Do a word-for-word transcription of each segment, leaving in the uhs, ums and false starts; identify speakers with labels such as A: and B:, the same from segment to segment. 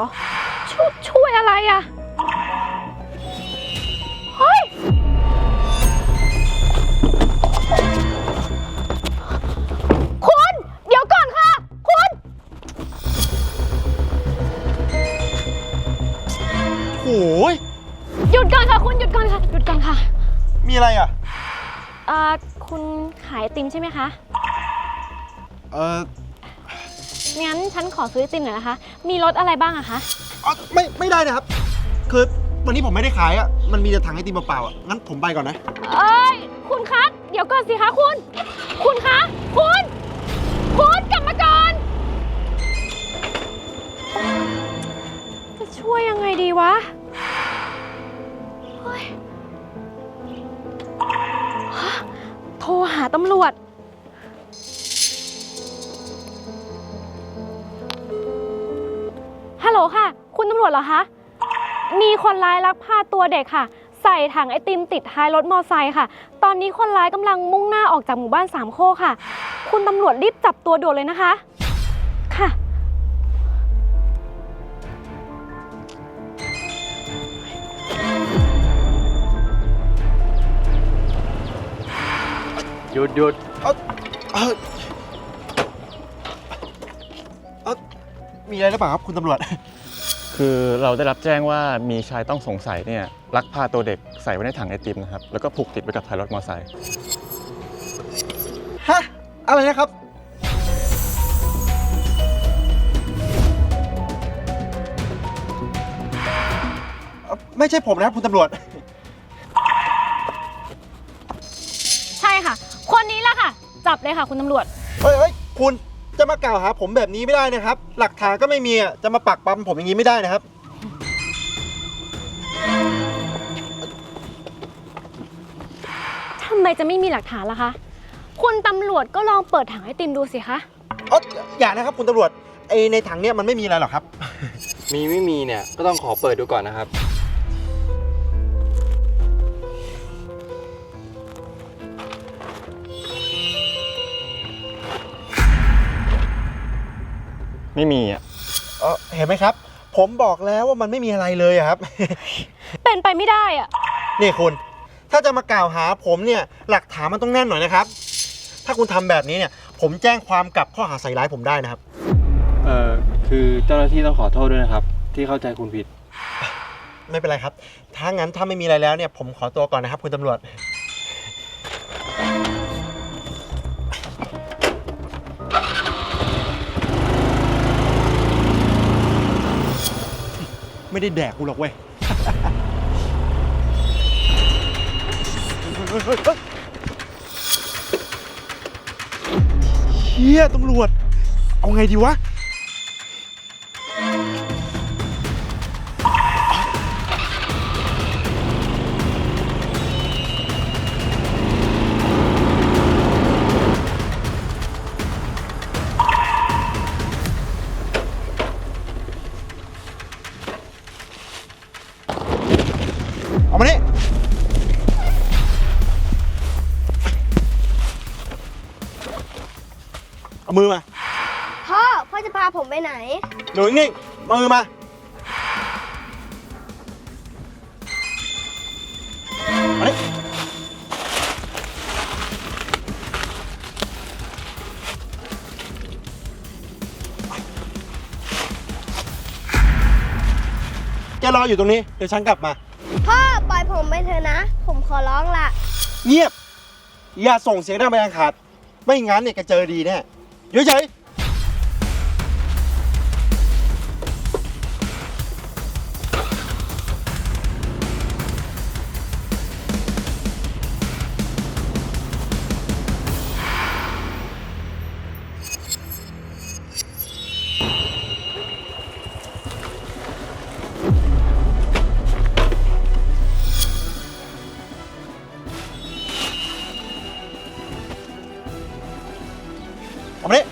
A: อช่วยช่วยอะไรอะเฮ้ยคุณเดี๋ยวก่อนค่ะคุณ
B: โอ้ย
A: หยุดก่อนค่ะคุณหยุดก่อนค่ะหยุดก่อนค่ะ
B: มีอะไรอ่ะ
A: เอ่อคุณขายไอติมใช่ไหมคะ
B: เออ
A: งั้นฉันขอซื้อไอติมหน่อยนะคะมีรสอะไรบ้างอะคะ
B: ไม่ไม่ได้นะครับคือวันนี้ผมไม่ได้ขายอ่ะมันมีแต่ถังไอติมเปล่าๆอ่ะงั้นผมไปก่อนนะ
A: เอ้ยคุณคะเดี๋ยวก่อนสิคะคุณคุณคะคุณคุณกลับมาก่อนจะช่วยยังไงดีวะเฮ้ยฮะโทรหาตำรวจฮัลโหลค่ะคุณตำรวจเหรอคะมีคนร้ายลักพาตัวเด็กค่ะใส่ถังไอติมติดท้ายรถมอไซค์ค่ะตอนนี้คนร้ายกำลังมุ่งหน้าออกจากหมู่บ้านสามโคกค่ะคุณตำรวจรีบจับตัวด่วนเลยนะคะค่ะ
C: หยุดหยุด
B: เออเออเออมีอะไรหรือเปล่าครับคุณตำรวจ
C: คือเราได้รับแจ้งว่ามีชายต้องสงสัยเนี่ยลักพาตัวเด็กใส่ไว้ในถังไอติมนะครับแล้วก็ผูกติดไว้กับท้ายรถมอเตอร์ไซค์
B: ฮะอะไรนะครับไม่ใช่ผมนะครับคุณตำรวจ
A: ใช่ค่ะคนนี้แหละค่ะจับเลยค่ะคุณตำรวจ
B: เฮ้ยเฮ้ยคุณจะมากล่าวหาผมแบบนี้ไม่ได้นะครับหลักฐานก็ไม่มีจะมาปักปั๊มผมอย่างนี้ไม่ได้นะครับ
A: ทำไมจะไม่มีหลักฐานล่ะคะคุณตำรวจก็ลองเปิดถังไอติมดูสิคะ
B: อ๋ออย่านะครับคุณตำรวจไอในถังเนี้ยมันไม่มีอะไรหรอกครับ
D: มีไม่มีเนี่ยก็ต้องขอเปิดดูก่อนนะครับ
C: ไม่มีอ่ะ
B: เออเห็นไหมครับผมบอกแล้วว่ามันไม่มีอะไรเลยครับ
A: เป็นไปไม่ได้อ่ะ
B: นี่คุณถ้าจะมากล่าวหาผมเนี่ยหลักฐานมันต้องแน่นหน่อยนะครับถ้าคุณทำแบบนี้เนี่ยผมแจ้งความกลับข้อหาใส่ร้ายผมได้นะครับ
D: เอ่อคือเจ้าหน้าที่ต้องขอโทษด้วยนะครับที่เข้าใจคุณผิด
B: ไม่เป็นไรครับถ้างั้นถ้าไม่มีอะไรแล้วเนี่ยผมขอตัวก่อนนะครับคุณตำรวจไม่ได้แดกกูหรอกเว้ยเฮียตำรวจเอาไงดีวะเอามานี่เอามือมา
E: พ่อพ่อจะพาผมไปไหน
B: หนูนิ่งๆมือมาเอานี่แกรออยู่ตรงนี้เดี๋ยวฉันกลับมา
E: พ่อปล่อยผมไปเถอะนะผมขอร้องละ
B: เงียบอย่าส่งเสียงดังไปอันขาดไม่งั้นเนี่ยแกเจอดีแน่เฉยเอามานี่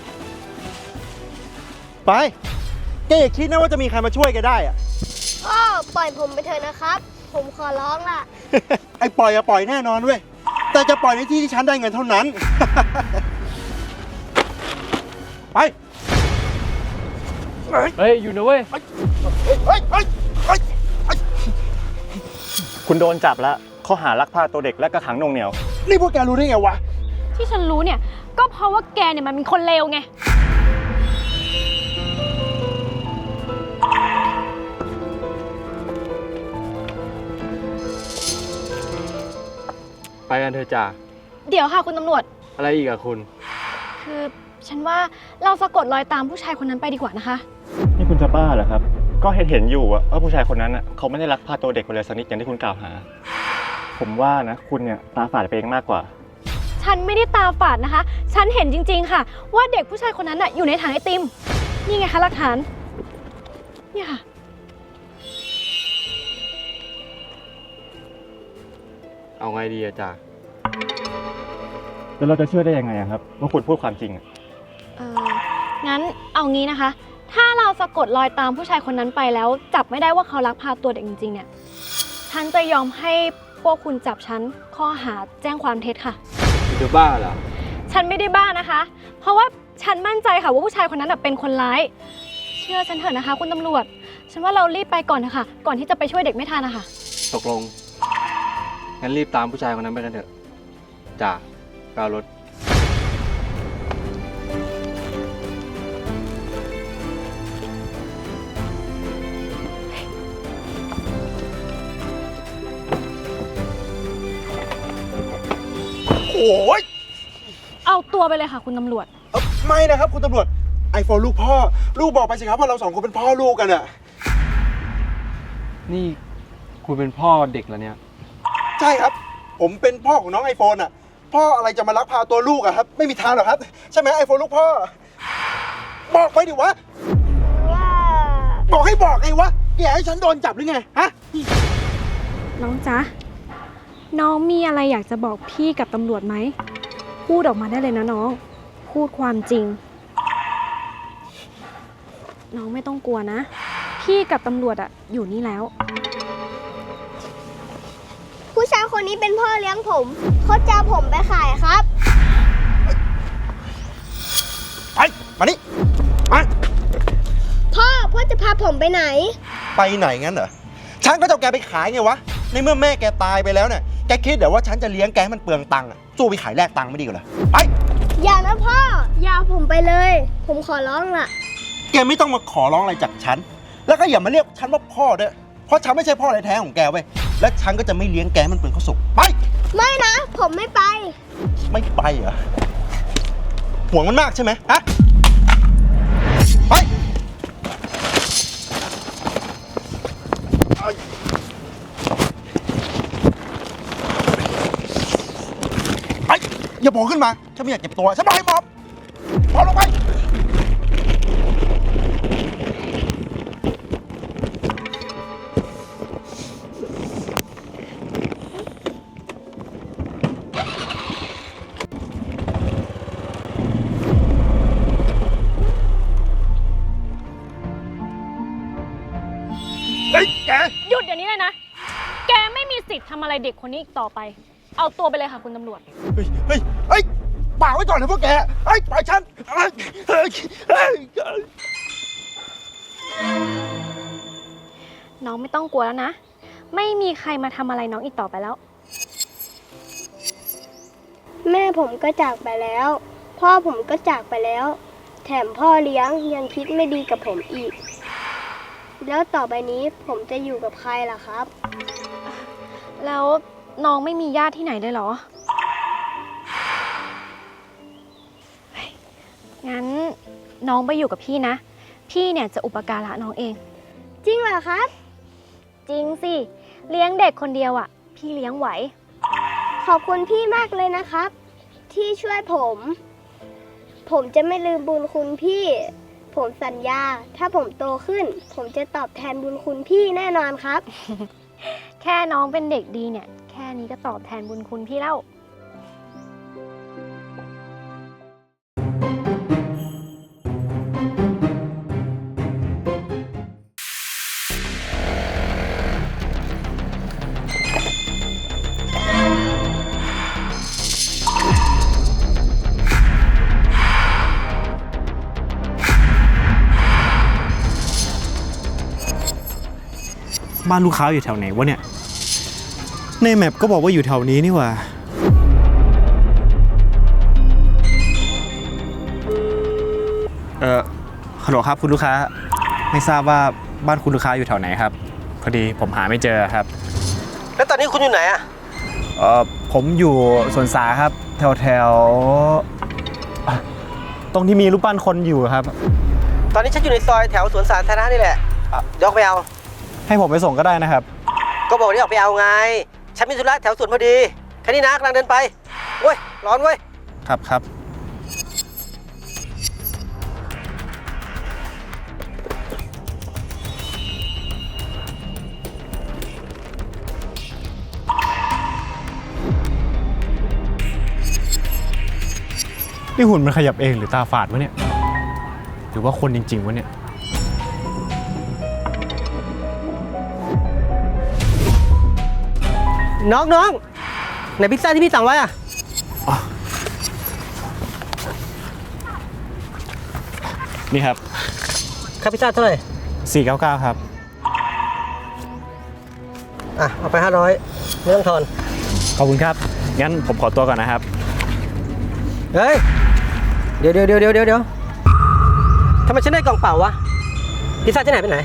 B: ไปแกอย่าคิดนะว่าจะมีใครมาช่วยแกได้อะ
E: พ่อปล่อยผมไปเถอะนะครับผมขอร้องละ
B: ไอ้ปล่อยอะปล่อยแน่นอนเว้ยแต่จะปล่อยในที่ที่ฉันได้เงินเท่านั้น ไป
D: เฮ้ย อยู่นะเว้ย
B: เฮ้ยเฮ้ยเฮ้ยเฮ้ย
C: คุณโดนจับแล้วข้อหาลักพาตัวเด็กและกระขังหน่วงเหนียว
B: นี่พวกแกรู้ได้ไงวะ
A: ที่ฉันรู้เนี่ย ก็เพราะว่าแกเนี่ยมันเป็นคนเลวไง
D: ไปกันเถอะจ่า
A: เดี๋ยวค่ะคุณตำรวจ
D: อะไรอีกอะคุณ
A: คือฉันว่าเราสะกดรอยตามผู้ชายคนนั้นไปดีกว่านะคะ
C: นี่คุณจะบ้าเหรอครับ ก็เห็นเห็นอยู่อะว่าผู้ชายคนนั้นอะเขาไม่ได้ลักพาตัวเด็กไปเลยสักนิดอย่างที่คุณกล่าวหา ผมว่านะคุณเนี่ยตาฝาดไปเองมากกว่า
A: ฉันไม่ได้ตาฝาดนะคะ ฉันเห็นจริงๆค่ะ ว่าเด็กผู้ชายคนนั้นน่ะอยู่ในถังไอติม นี่ไงคะหลักฐาน เนี่ยค่ะ
D: เอาไงดีอะจ่า
C: แล้วเราจะเชื่อได้ยังไงอะครับว่าคุณพูดความจริงอะ
A: เอองั้นเอางี้นะคะ ถ้าเราสะกดรอยตามผู้ชายคนนั้นไปแล้ว จับไม่ได้ว่าเขาลักพาตัวเด็กจริงๆเนี่ย ฉันจะยอมให้พวกคุณจับฉันข้อหาแจ้งความเท็จค่ะ
D: คุณจะบ้าเหรอ
A: ฉันไม่ได้บ้านะคะ เพราะว่าฉันมั่นใจค่ะว่าผู้ชายคนนั้นนะเป็นคนร้าย เชื่อฉันเถอะนะคะ คุณตำรวจ ฉันว่าเรารีบไปก่อนเถอะค่ะ ก่อนที่จะไปช่วยเด็กไม่ทันนะคะ
D: ตกลง งั้นรีบตามผู้ชายคนนั้นไปกันเถอะ จ่าไปเอารถ
B: โอ้ย
A: เอาตัวไปเลยค่ะ คุณตำรวจ
B: เอ้าไม่นะครับคุณตำรวจ ไอโฟนลูกพ่อ ลูกบอกไปสิครับว่าเราสองคนเป็นพ่อลูกกันอะ
D: นี่คุณเป็นพ่อเด็กแล้วเนี่ย
B: ใช่ครับ ผมเป็นพ่อของน้องไอโฟนอะพ่ออะไรจะมาลักพาตัวลูกอะครับ ไม่มีทางหรอกครับ ใช่ไหมไอโฟนลูกพ่อ บอกไปดิวะ
E: ว่า
B: บอกให้บอกไงวะแกให้ฉันโดนจับหรือไง ฮะ
A: น้องจ๊ะ น้องมีอะไรอยากจะบอกพี่กับตำรวจไหม พูดออกมาได้เลยนะน้อง พูดความจริง น้องไม่ต้องกลัวนะ พี่กับตำรวจอะอยู่นี่แล้ว
E: ผู้ชายคนนี้เป็นพ่อเลี้ยงผม เขาจะเอาผมไปขายครับ
B: ไป มานี่มา
E: พ่อ พ่อจะพาผมไปไหน
B: ไปไหนงั้นเหรอ ฉันก็จะเอาแกไปขายไงวะ ในเมื่อแม่แกตายไปแล้วเนี่ย แกคิดเดี๋ยวว่าฉันจะเลี้ยงแกให้มันเปลืองตังค์อะสู้ไปขายแลกตังค์ไม่ดีกว่าเหรอ ไป
E: อย่านะพ่อ อย่าเอาผมไปเลย ผมขอร้องล่ะ
B: แกไม่ต้องมาขอร้องอะไรจากฉัน แล้วก็อย่ามาเรียกฉันว่าพ่อด้วย เพราะฉันไม่ใช่พ่อแท้ๆของแกเว้ย และฉันก็จะไม่เลี้ยงแกให้มันเปลืองข้าวสุก ไป
E: ไม่นะ ผมไม่ไป
B: ไม่ไปเหรอ ห่วงมันมากใช่ไหมฮะ ไป ไป อย่าบอกขึ้นมา ฉันไม่อยากเจ็บตัว ฉันบอกให้หมอบหมอบลงไป เฮ้ย แก
A: หยุดเดี๋ยวนี้เลยนะ แกไม่มีสิทธิ์ทำอะไรเด็กคนนี้อีกต่อไป เอาตัวไปเลยค่ะคุณตำรวจ
B: เฮ้ย เฮ้ย เฮ้ยป่ากไว้ก่อนนะพวกแก เฮ้ย ปล่อยฉันเฮ้ยเฮ้ยเฮ้ย
A: น้องไม่ต้องกลัวแล้วนะ ไม่มีใครมาทำอะไรน้องอีกต่อไปแล้ว
E: แม่ผมก็จากไปแล้ว พ่อผมก็จากไปแล้ว แถมพ่อเลี้ยงยังคิดไม่ดีกับผมอีก แล้วต่อไปนี้ผมจะอยู่กับใครล่ะครับ
A: แล้วน้องไม่มีญาติที่ไหนเลยเหรอ งั้นน้องไปอยู่กับพี่นะ พี่เนี่ยจะอุปการะน้องเอง
E: จริงเหรอครับ
A: จริงสิ เลี้ยงเด็กคนเดียวอ่ะ พี่เลี้ยงไหว
E: ขอบคุณพี่มากเลยนะครับ ที่ช่วยผม ผมจะไม่ลืมบุญคุณพี่ ผมสัญญา ถ้าผมโตขึ้น ผมจะตอบแทนบุญคุณพี่แน่นอนครับ
A: แค่น้องเป็นเด็กดีเนี่ย แค่นี้ก็ตอบแทนบุญคุณพี่แล้ว
B: บ้านลูกค้าอยู่แถวไหนวะเนี่ยในแมปก็บอกว่าอยู่แถวนี้นี่หว่าเออฮัลโหลครับคุณลูกค้าไม่ทราบว่าบ้านคุณลูกค้าอยู่แถวไหนครับพอดีผมหาไม่เจอครับ
F: แล้วตอนนี้คุณอยู่ไหนอะ
B: เออผมอยู่สวนสาครับแถวแถวอ่ะตรงที่มีรูปปั้นคนอยู่ครับ
F: ตอนนี้ฉันอยู่ในซอยแถวสวนสาธารณะนี่แหละอ่ะเดี๋ยวออกไปเอา
B: ให้ผมไปส่งก็ได้นะครับ
F: ก็บอกได้ออกไปเอาไง ฉันมีธุระแถวสวนพอดี แค่นี้นะกำลังเดินไปเว้ย ร้อนเว้ย
B: ครับครับนี่หุ่นมันขยับเองหรือตาฝาดวะเนี่ยหรือว่าคนจริงๆวะเนี่ย
F: น้องน้องไหนพิซซ่าที่พี่สั่งไว้อะ
B: นี่ครับ
F: ค่าพิซซ่าเท่าไหร่
B: สี่เก้าเก้าครับ
F: อ่ะ เอาไปห้าร้อยไม่ต้องทอน
B: ขอบคุณครับงั้นผมขอตัวก่อนนะครับ
F: เฮ้ย เดี๋ยวเดี๋ยวเดี๋ยวเดี๋ยวเดี๋ยวทำไมฉันได้กล่องเปล่าวะ พิซซ่าที่ไหนไปไหน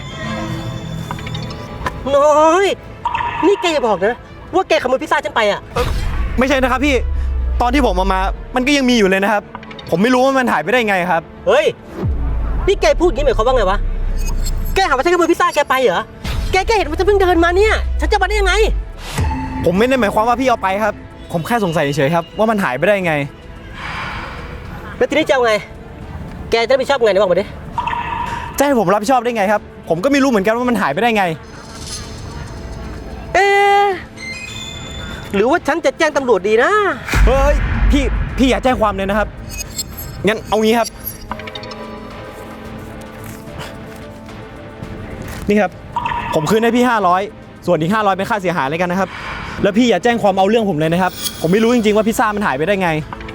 F: น้อย นี่แกอย่าบอกนะว่าแกขโมยพิซซ่าฉันไปอะ
B: ไม่ใช่นะครับพี่ตอนที่ผมเอามามันก็ยังมีอยู่เลยนะครับ ผมไม่รู้ว่ามันหายไปได้ไงครับ
F: เฮ้ย นี่แกพูดอย่างนี้หมายความว่าไงวะ แกหาว่าฉันขโมยพิซซ่าแกไปเหรอ แกแกเห็นว่าฉันเพิ่งเดินมาเนี่ย ฉันจะมาได้ยังไง
B: ผมไม่ได้หมายความว่าพี่เอาไปครับ ผมแค่สงสัยเฉยๆครับว่ามันหายไปได้ไง
F: แล้วทีนี้จะเอาไง แกจะรับผิดชอบไงไหนบอกมาดิ
B: จะให้ผมรับผิดชอบได้ไงครับ ผมก็ไม่รู้เหมือนกันว่ามันหายไปได้ไง
F: เอ๊ะหรือว่าฉันจะแจ้งตำรวจดีนะ
B: เฮ้ยพี่พี่อย่าแจ้งความเลยนะครับงั้นเอางี้ครับ นี่ครับผมคืนให้พี่ห้าร้อยส่วนอีกห้าร้อยเป็นค่าเสียหายเลยกันนะครับแล้วพี่อย่าแจ้งความเอาเรื่องผมเลยนะครับผมไม่รู้จริงๆว่าพิซซ่ามันหายไปได้ไง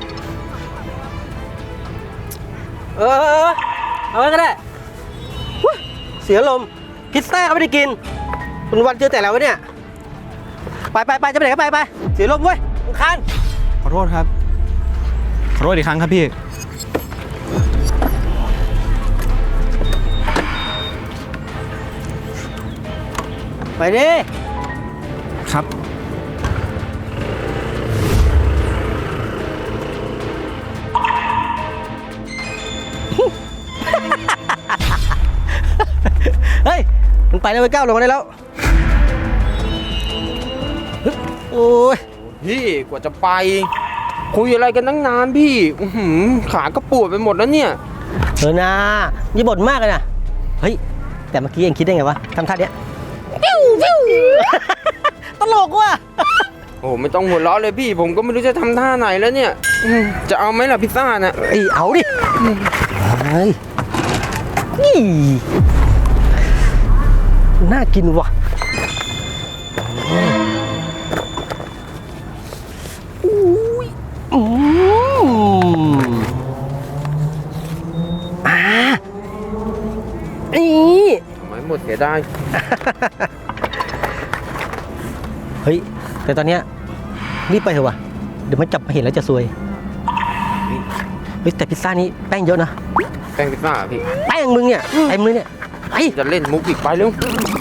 F: เออ เอาไว้ก็ได้อุ๊ยเสียลมณ์พิซซ่าก็ไม่ได้กินวันวันเจอแต่แล้ววะเนี่ย ไปไปไปจะไปไหนก็ไปไป เสียลมณ์เว้ยรำคาญ
B: ขอโทษครับขอโทษอีกครั้งครับพี่
F: ไปดิ
B: ครับ
F: เฮ้ย มันไปแล้วไปก้าวลงมาได้แล้วฮึบโอ้ย
G: พี่กว่าจะไป คุยอะไรกันตั้งนานพี่อื้อหือขาก็ปวดไปหมดแล้วเนี่ย
F: เออนะนี่บ่นมากเลยนะ เฮ้ย แต่เมื่อกี้เองคิดได้ไงวะทำท่าเนี้ยปิ้วปิ้ว ตลกว่ะ
G: โอ้ไม่ต้องหัวเราะเลยพี่ ผมก็ไม่รู้จะทำท่าไหนแล้วเนี่ยอืมจะเอาไหมล่ะพิซซ่าน่ะ
F: ไอ้เอาดิเฮ้ยนี่น่ากินว่ะอุ้ยอืมอ่านี่
G: ทำไมหมดเสียดาย
F: เฮ้ย แต่ตอนเนี้ยรีบไปเถอะวะเดี๋ยวมันจับมาเห็นแล้วจะซวยเฮ้ยแต่พิซซ่านี้แป้งเยอะนะ
G: แป้งพิซซ่าพี่
F: แป้งมึงเนี่ยเต็มเลยเนี่ยไอ้
G: จะเล่นมุกอีกไปเร็ว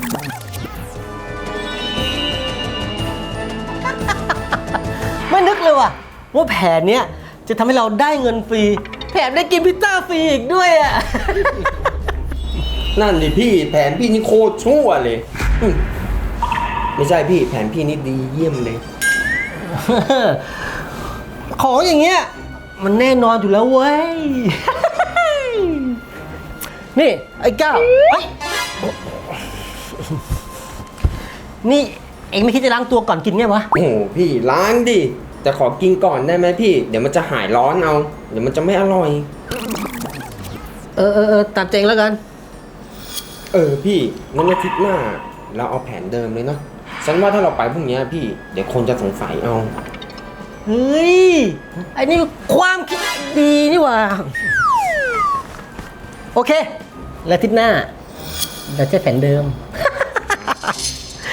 F: ไม่นึกเลยว่ะว่าแผนเนี้ยจะทำให้เราได้เงินฟรีแถมได้กินพิซซ่าฟรีอีกด้วยอ่ะ
G: นั่นดิพี่แผนพี่นี่โคตรชั่วเลยอืมไม่ใช่พี่แผนพี่นี่ดีเยี่ยมเลย
F: ของอย่างเงี้ยมันแน่นอนอยู่แล้วเว้ย นี่ไอ้ก้าวเฮ้ยนี่เอ็งไม่คิดจะล้างตัวก่อนกินไงวะ
G: โอ้โหพี่ล้างดิแต่ขอกินก่อนได้ไหมพี่ เดี๋ยวมันจะหายร้อนเอา เดี๋ยวมันจะไม่อร่อย
F: เออเออเออตามใจเองแล้วกัน
G: เออพี่งั้นอาทิตย์หน้าเราเอาแผนเดิมเลยเนาะฉันว่าถ้าเราไปพรุ่งนี้พี่ เดี๋ยวคนจะสงสัยเอา
F: เฮ้ยไอ้นี่ความคิดดีนี่หว่า โอเค แล้วอาทิตย์หน้าเราจะแผนเดิม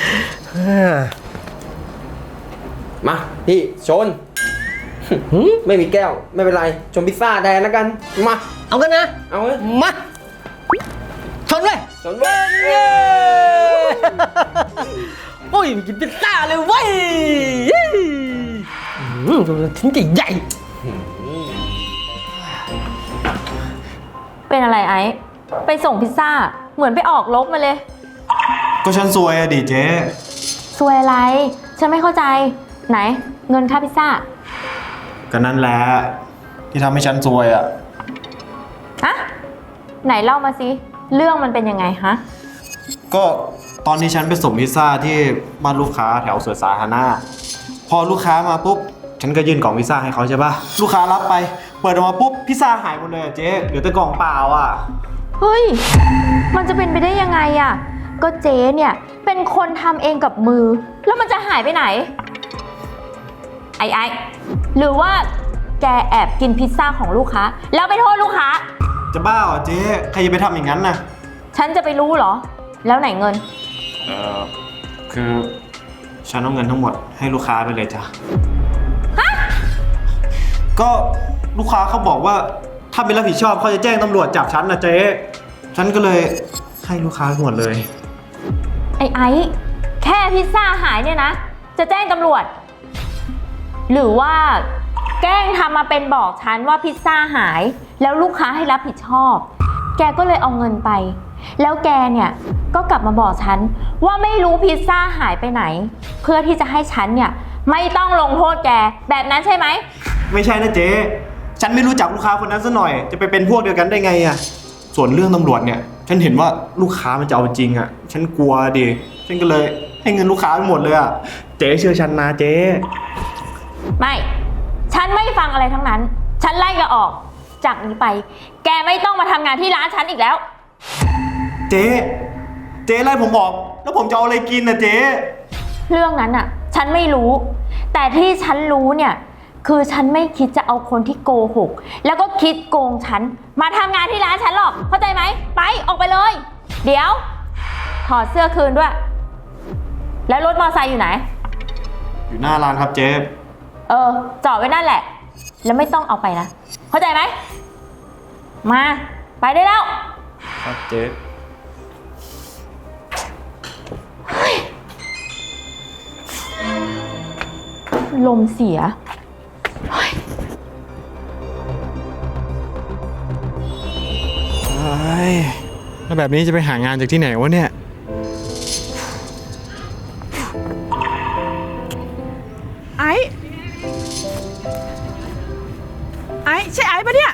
G: มาพี่ชน ไม่มีแก้วไม่เป็นไรชนพิซซ่าแทนแล้วกันมา
F: เอากันนะ
G: เอาเลย
F: มาชนเลย
G: ชนเว้ย
F: เย้โอ้ยกินพิซซ่าเลยเว้ยอืมชิ้นใหญ่
H: เป็นอะไรไอ้ไปส่งพิซซ่าเหมือนไปออกรบมาเลย
B: ก็ฉันซวยอะดิเจ๊
H: ซวยอะไร ฉันไม่เข้าใจไหนเงินค่าพิซซ่า
B: ก็นั่นแหละที่ทำให้ฉันซวยอะ
H: ฮะไหนเล่ามาสิเรื่องมันเป็นยังไงฮะ
B: ก็ตอนที่ฉันไปส่งพิซซ่าที่บ้านลูกค้าแถวสวนสาธารณะพอลูกค้ามาปุ๊บฉันก็ยื่นกล่องพิซซ่าให้เขาใช่ปะลูกค้ารับไปเปิดออกมาปุ๊บพิซซ่าหายหมดเลยอะเจ๊เหลือแต่กล่องเปล่าอะ
H: เฮ้ยมันจะเป็นไปได้ยังไงอะก็เจ๊เนี่ยเป็นคนทำเองกับมือ แล้วมันจะหายไปไหนไอ้ไอ้หรือว่าแกแอบกินพิซซ่าของลูกค้าแล้วไปโทษลูกค้า
B: จะบ้าเหรอเจ๊ใครจะไปทำอย่างนั้นน่ะ
H: ฉันจะไปรู้เหรอแล้วไหนเงิน
B: เออคือฉันเอาเงินทั้งหมดให้ลูกค้าไปเลยจ้ะก็ลูกค้าเขาบอกว่าถ้าไม่รับผิดชอบเขาจะแจ้งตำรวจจับฉันนะเจ๊ฉันก็เลยให้ลูกค้าหมดเลย
H: ไอ้ไอ้แค่พิซซ่าหายเนี่ยนะจะแจ้งตำรวจ หรือว่าแกล้งทำมาเป็นบอกฉันว่าพิซซ่าหายแล้วลูกค้าให้รับผิดชอบ แกก็เลยเอาเงินไป แล้วแกเนี่ยก็กลับมาบอกฉันว่าไม่รู้พิซซ่าหายไปไหน เพื่อที่จะให้ฉันเนี่ยไม่ต้องลงโทษแกแบบนั้นใช่ไหม
B: ไม่ใช่นะเจ๊ฉันไม่รู้จักลูกค้าคนนั้นซะหน่อยจะไปเป็นพวกเดียวกันได้ไงอะส่วนเรื่องตำรวจเนี่ยฉันเห็นว่าลูกค้ามันจะเอาจริงอะฉันกลัวดิฉันก็เลยให้เงินลูกค้าไปหมดเลยอะเจ๊เชื่อฉันนะเจ๊
H: ไม่ฉันไม่ฟังอะไรทั้งนั้นฉันไล่แกออกจากนี้ไปแกไม่ต้องมาทำงานที่ร้านฉันอีกแล้ว
B: เจ๊เจ๊ไล่ผมออกแล้วผมจะเอาอะไรกินนะเจ๊
H: เรื่องนั้นอ่ะฉันไม่รู้ แต่ที่ฉันรู้เนี่ยคือฉันไม่คิดจะเอาคนที่โกหกแล้วก็คิดโกงฉันมาทำงานที่ร้านฉันหรอกเข้าใจไหมไปออกไปเลย เดี๋ยวถอดเสื้อคืนด้วย แล้วรถมอเตอร์ไซค์อยู่ไหน
B: อยู่หน้าร้านครับเจ๊
H: เออจอดไว้นั่นแหละแล้วไม่ต้องเอาไปนะเข้าใจไหมมาไปได้แล้ว
B: ครับเจ๊
H: ลมเสีย
B: แล้วแบบนี้จะไปหางานจากที่ไหนวะเนี่ย
I: ไอ้ไอ้ใช่ไอ้ปะเนี่ย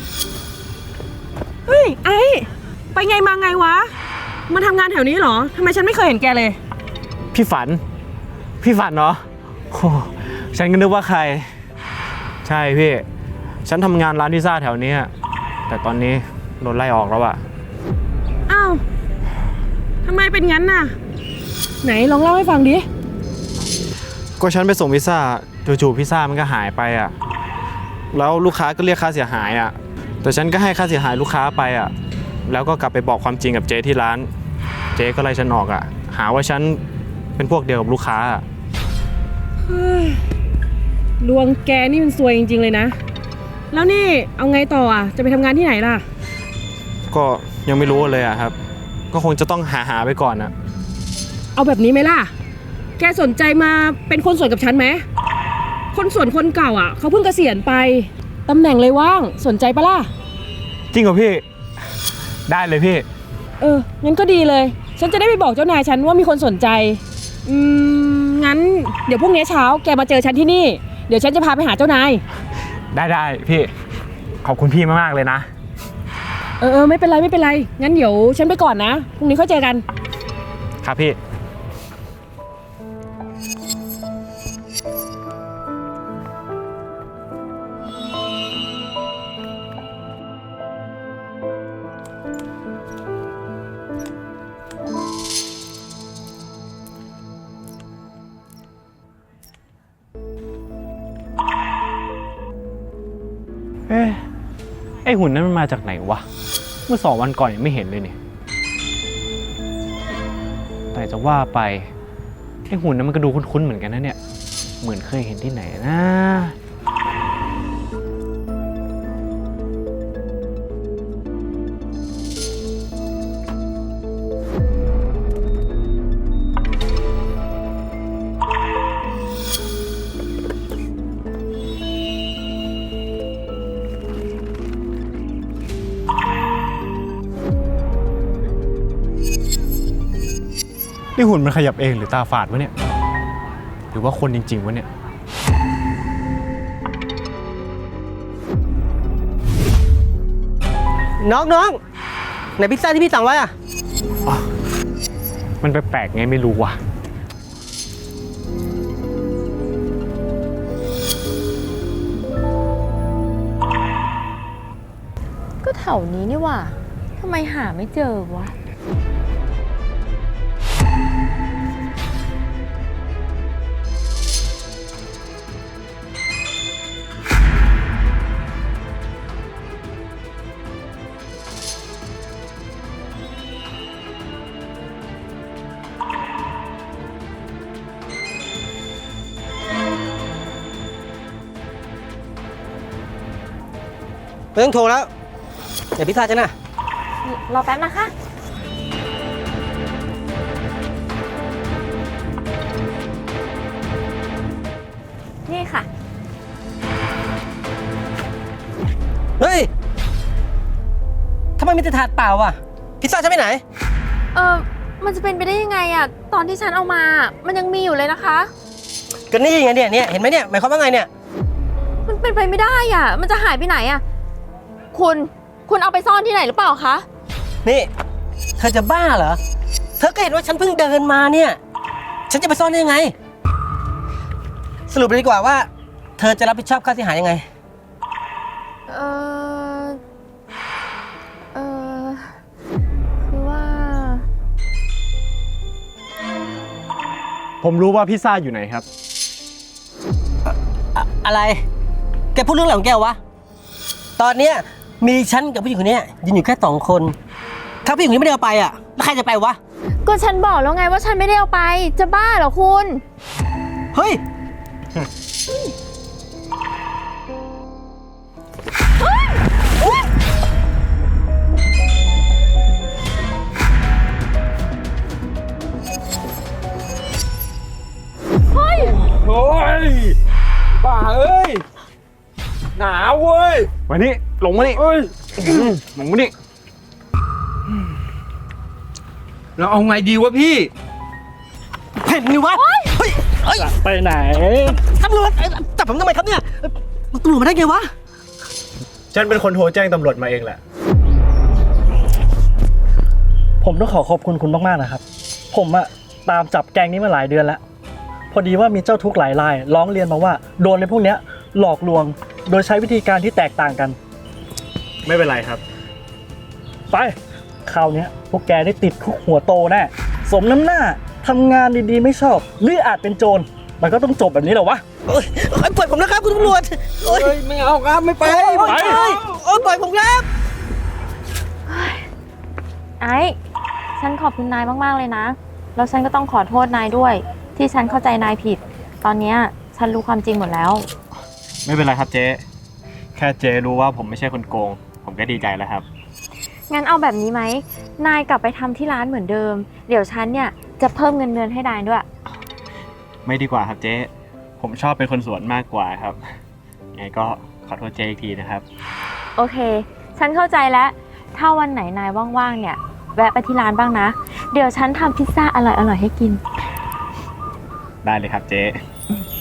I: เฮ้ยไอ้ไปไงมาไงวะ มาทำงานแถวนี้เหรอทำไมฉันไม่เคยเห็นแกเลย
J: พี่ฝัน พี่ฝันเนาะโอ้ฉันก็นึกว่าใคร ใช่พี่ ฉันทำงานร้านพิซซ่าแถวนี้ แต่ตอนนี้โดนไล่ออกแล้วอะ
I: อ้าวทำไมเป็นงั้นน่ะ ไหนลองเล่าให้ฟังดิ
J: ก็ฉันไปส่งพิซซ่าจู่ๆพิซซ่ามันก็หายไปอะแล้วลูกค้าก็เรียกค่าเสียหายอะแต่ฉันก็ให้ค่าเสียหายลูกค้าไปอะแล้วก็กลับไปบอกความจริงกับเจ๊ที่ร้าน เจ๊ก็ไล่ฉันออกอะหาว่าฉันเป็นพวกเดียวกับลูกค้าอะ
I: เฮ้ยดวงแกนี่มันซวยจริงๆเลยนะ แล้วนี่เอาไงต่ออ่ะ จะไปทำงานที่ไหนล่ะ
J: ก็ยังไม่รู้เลยอะครับ ก็คงจะต้องหาหาไปก่อนอะ
I: เอาแบบนี้ไหมล่ะ แกสนใจมาเป็นคนส่วนกับฉันไหม คนส่วนคนเก่าอ่ะเขาเพิ่งเกษียณไป ตำแหน่งเลยว่าง สนใจปะล่ะ
J: จริงเหรอพี่ ได้เลยพี่
I: เออ งั้นก็ดีเลย ฉันจะได้ไปบอกเจ้านายฉันว่ามีคนสนใจ อืม งั้นเดี๋ยวพรุ่งนี้เช้าแกมาเจอฉันที่นี่ เดี๋ยวฉันจะพาไปหาเจ้านาย
J: ได้ได้พี่ ขอบคุณพี่มากๆเลยนะ
I: เออเออไม่เป็นไรไม่เป็นไร งั้นเดี๋ยวฉันไปก่อนนะ พรุ่งนี้ค่อยเจอกัน
J: ครับพี่ เอ๊ะไอหุ่นนั้นมันมาจากไหนวะ เมื่อสองวันก่อนยังไม่เห็นเลยเนี่ยแต่จะว่าไปไอ้หุ่นนั้นมันก็ดูคุ้นๆเหมือนกันนะเนี่ย เหมือนเคยเห็นที่ไหนนะ นี่หุ่นมันขยับเองหรือตาฝาดวะเนี่ย หรือว่าคนจริงๆวะเนี่ย
F: น้องน้องไหนพิซซ่าที่พี่สั่งไว้อะ
J: มันแปลกๆไงไม่รู้ว่ะ
H: ก็แถวนี้นี่หว่าทำไมหาไม่เจอวะ
F: ไม่ต้องโทรแล้วเดี๋ยวพิซซ่าจะนะ
H: รอแป๊บนะคะ นี่ค่ะ
F: เฮ้ยทำไมมีแต่ถาดเปล่าอ่ะพิซซ่าจะไปไหน
H: เออมันจะเป็นไปได้ยังไงอะตอนที่ฉันเอามา มันยังมีอยู่เลยนะคะ
F: ก็นี่ไงเนี่ยเนี่ยเห็นไหมเนี่ยหมายความว่าไงเนี่ย
H: มันเป็นไปไม่ได้อะมันจะหายไปไหนอะคุณ คุณเอาไปซ่อนที่ไหนหรือเปล่าคะ
F: นี่เธอจะบ้าเหรอเธอก็เห็นว่าฉันเพิ่งเดินมาเนี่ยฉันจะไปซ่อนได้ยังไง สรุปเลยดีกว่าว่า เธอจะรับผิดชอบค่าเสียหายยังไง
H: เออเออคือว่า
J: ผมรู้ว่าพิซซ่าอยู่ไหนครับ
F: อะอะไร แกพูดเรื่องอะไรของแกวะ ตอนเนี้ยมีฉันกับผู้หญิงคนเนี้ยยืนอยู่แค่สองคน ถ้าผู้หญิงคนนี้ไม่ได้เอาไปอ่ะแล้วใครจะไปวะ
H: ก็ฉันบอกแล้วไงว่าฉันไม่ได้เอาไป จะบ้าเหรอคุณ
F: เฮ้ย
G: โอ้ยบ้าเอ้ยหนาวเว้ย
J: มานี่ลงมานี่
G: เอ้ย
J: ลงมานี่
G: เราเอาไงดีวะพี่
F: เห็นนี่วะ เฮ้ย เฮ้ย
J: ไปไหน
F: ตำรวจเอ้ยจับผมทำไมครับเนี่ยตำรวจมาได้ไงวะ
J: ฉันเป็นคนโทรแจ้งตำรวจมาเองแหละ
K: ผมต้องขอขอบคุณคุณมากๆนะครับ ผมอะตามจับแก๊งนี้มาหลายเดือนแล้ว พอดีว่ามีเจ้าทุกข์หลายรายร้องเรียนมาว่าโดนในพวกเนี้ยหลอกลวง โดยใช้วิธีการที่แตกต่างกัน
J: ไม่เป็นไรครับ
K: ไปคราวเนี้ยพวกแกได้ติดคุกหัวโตแน่สมน้ำหน้าทำงานดีๆไม่ชอบหรืออาจเป็นโจรมันก็ต้องจบแบบนี้เหรอวะ
F: เอ้ยเอ้ยปล่อยผมนะครับคุณตำรวจเอ้ย
G: เฮ้ย ไม่เอาครับ ไม่ไป
F: เอ้ยเอ้ยเอ้ยปล่อยผมครับ
H: ไอ้ ฉันขอบคุณนายมากๆเลยนะ แล้วฉันก็ต้องขอโทษนายด้วย ที่ฉันเข้าใจนายผิด ตอนเนี้ยฉันรู้ความจริงหมดแล้ว
J: ไม่เป็นไรครับเจ๊ แค่เจ๊รู้ว่าผมไม่ใช่คนโกง ผมก็ดีใจแล้วครับ
H: งั้นเอาแบบนี้ไหม นายกลับไปทำที่ร้านเหมือนเดิม เดี๋ยวฉันเนี่ยจะเพิ่มเงินเดือนให้นายด้วย
J: ไม่ดีกว่าครับเจ๊ ผมชอบเป็นคนสวนมากกว่าครับไงก็ขอโทษเจ๊อีกทีนะครับ
H: โอเค ฉันเข้าใจแล้ว ถ้าวันไหนนายว่างๆ เนี่ย แวะไปที่ร้านบ้างนะ เดี๋ยวฉันทำพิซซ่าอร่อยๆ ให้กิน
J: ได้เลยครับเจ๊